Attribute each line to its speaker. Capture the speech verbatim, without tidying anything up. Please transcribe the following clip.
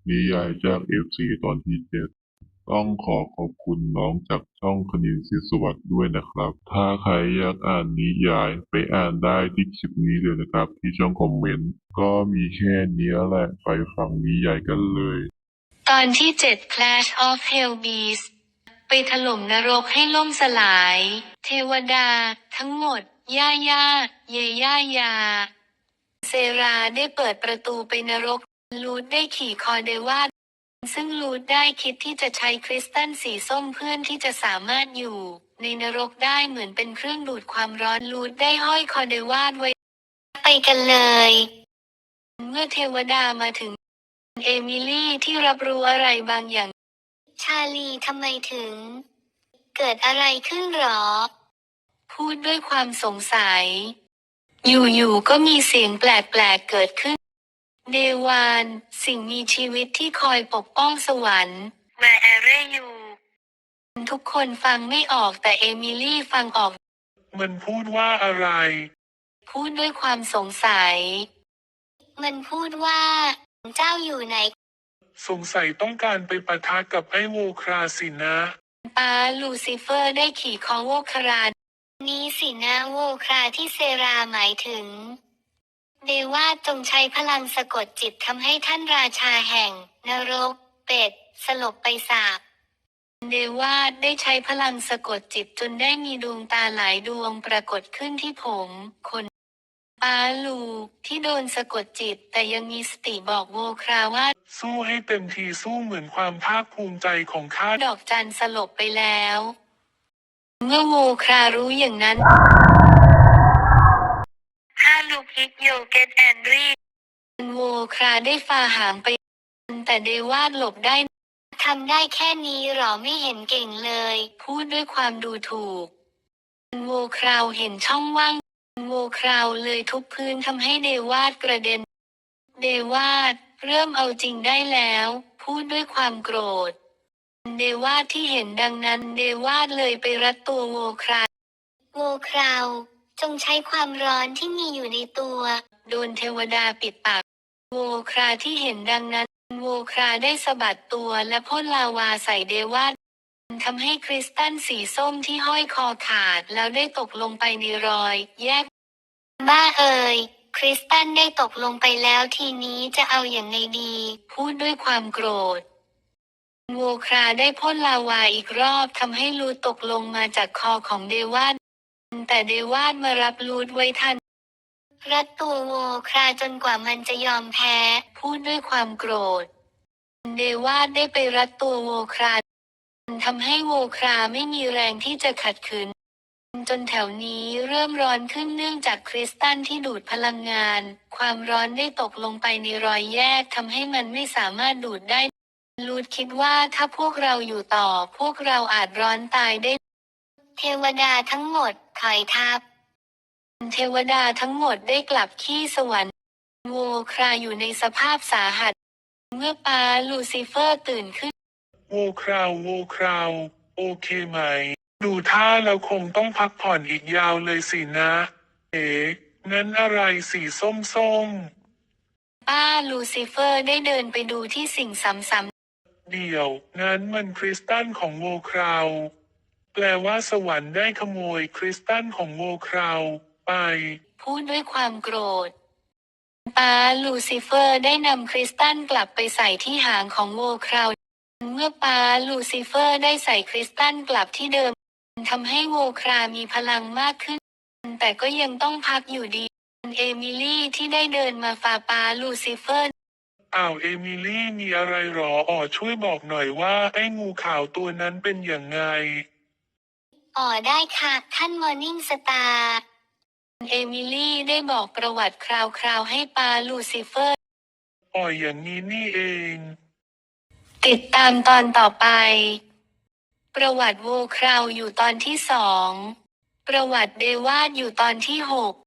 Speaker 1: นิยายจาก เอฟ ซี ตอนที่เจ็ดต้องขอขอบคุณน้องจากช่องคณินทร์ศรีสวัสดิ์ด้วยนะครับถ้าใครอยากอ่านนิยายไปอ่านได้ที่คลิปนี้เลยนะครับที่ช่องคอมเมนต์ก็มีแค่นี้แหละไปฟังนิยายกันเลย
Speaker 2: ตอนที่เจ็ด Clash of Hell Beasts ไปถล่มนรกให้ล่มสลาย เทวดา ทั้งหมด ย่าย่า เยย่ายา เซราได้เปิดประตูไปนรก ลูดได้ขี่คอเดวาดซึ่งลูดได้คิดที่จะใช้คริสตัลสีส้มเพื่อนที่จะสามารถอยู่ ในนรกได้เหมือนเป็นเครื่องดูดความร้อนลูดได้ห้อยคอเดวาดไว้ไปกันเลย เมื่อเทวดามาถึงเอมิลี่ที่รับรู้อะไรบางอย่างชาลีทำไมถึง เกิดอะไรขึ้นหรอ พูดด้วยความสงสัย อยู่ๆก็มีเสียงแปลกๆเกิดขึ้น เดวาน สิ่งมีชีวิตที่คอยปกป้องสวรรค์ Where are you ทุกคนฟังไม่ออกแต่เอมิลี่ฟังออก
Speaker 3: มันพูดว่าอะไร
Speaker 2: พูดด้วยความสงสัย มันพูดว่า เจ้าอยู่ไหน
Speaker 3: สงสัยต้องการไปปะทะกับไอ้โวคราสินะ
Speaker 2: ป้าลูซิเฟอร์ได้ขี่คอโวครานนี้สินะโวคราที่เซราหมายถึง เดวาจงใช้พลังสะกดจิตทำให้ท่านราชาแห่ง นรก เป็ด สลบไปสาบเดวาดได้ใช้พลังสะกดจิตจนได้มีดวงตาหลายดวงปรากฏขึ้นที่ผมขนป้าลูที่โดนสะกดจิตแต่ยังมีสติบอกโวคราว่า
Speaker 3: สู้ให้เต็มที่สู้เหมือนความภาคภูมิใจของข้า
Speaker 2: ดอกจันสลบไปแล้ว เมื่อโวครารู้อย่างนั้นถ้าลูกฮิกโยเกตแอนดรีโวคราได้ฝ่าหางไปแต่เดวาดหลบได้ทำได้แค่นี้หรอไม่เห็นเก่งเลย พูดด้วยความดูถูก โวคราวเห็นช่องว่าง โวคราวเลยทุบพื้นทำให้เดวาดกระเด็น เดวาดเริ่มเอาจริงได้แล้ว พูดด้วยความโกรธ เดวาดที่เห็นดังนั้นเดวาดเลยไปรัดตัวโวคราโวคราวจงใช้ความร้อนที่มีอยู่ในตัว โดนเทวดาปิดปาก โวคราที่เห็นดังนั้น โวคราได้สะบัดตัวและพ่นลาวาใส่เดวาดทำให้คริสตัลสีส้มที่ห้อยคอขาดแล้วได้ตกลงไปในรอย แยก บ้าเอ่ยคริสตัลได้ตกลงไปแล้วทีนี้จะเอาอย่างไงดี พูดด้วยความโกรธ โวคราได้พ่นลาวาอีกรอบทำให้ลูดตกลงมาจากคอของเดวาดแต่เดวาดมารับลูดไว้ทัน รัดตัวโวคราจนกว่ามันจะยอมแพ้ พูดด้วยความโกรธ เดวาดได้ไปรัดตัวโวคราทำให้โวคราไม่มีแรงที่จะขัดขืน จนแถวนี้เริ่มร้อนขึ้นเนื่องจากคริสตัลที่ดูดพลังงาน ความร้อนได้ตกลงไปในรอยแยกทำให้มันไม่สามารถดูดได้ ลูดคิดว่าถ้าพวกเราอยู่ต่อพวกเราอาจร้อนตายได้ เทวดาทั้งหมดถอยทัพ เทวดาทั้งหมดได้กลับขี้สวรรค์ โวคราอยู่ในสภาพสาหัส เมื่อป้าลูซิเฟอร์ตื่นขึ้น
Speaker 3: โวคราวโวคราวโอเคไหม ดูท่าเราคงต้องพักผ่อนอีกยาวเลยสินะ เอ๋งั้นอะไรสีส้มส้ม
Speaker 2: ป้าลูซิเฟอร์ได้เดินไปดูที่สิ่งซ้ำ
Speaker 3: เดี๋ยวงั้นมันคริสตัลของโวคราวแปลว่าสวรรค์ได้ขโมยคริสตัลของโวคราวไป
Speaker 2: ๆพูดด้วยความโกรธ ป้าลูซิเฟอร์ได้นำคริสตัลกลับไปใส่ที่หางของโวคราว เมื่อป้าลูซิเฟอร์ได้ใส่คริสตัลกลับที่เดิมทำให้โวครามีพลังมากขึ้น แต่ก็ยังต้องพักอยู่ดี เอมิลี่ที่ได้เดินมาฝ่าป้าลูซิเฟอร์
Speaker 3: อ้าวเอมิลี่มีอะไรหรออ๋อช่วยบอกหน่อยว่าไอ้งูขาวตัวนั้นเป็นอย่างไง
Speaker 2: อ๋อได้ค่ะท่านมอร์นิ่งสตาร์เอมิลี่ได้บอกประวัติคราวๆให้ป้าลูซิเฟอร์
Speaker 3: อ๋ออย่างนี้นี่เอง
Speaker 2: ติดตามตอนต่อไป ประวัติโวคราวอยู่ตอนที่สอง ประวัติเดวาดอยู่ตอนที่หก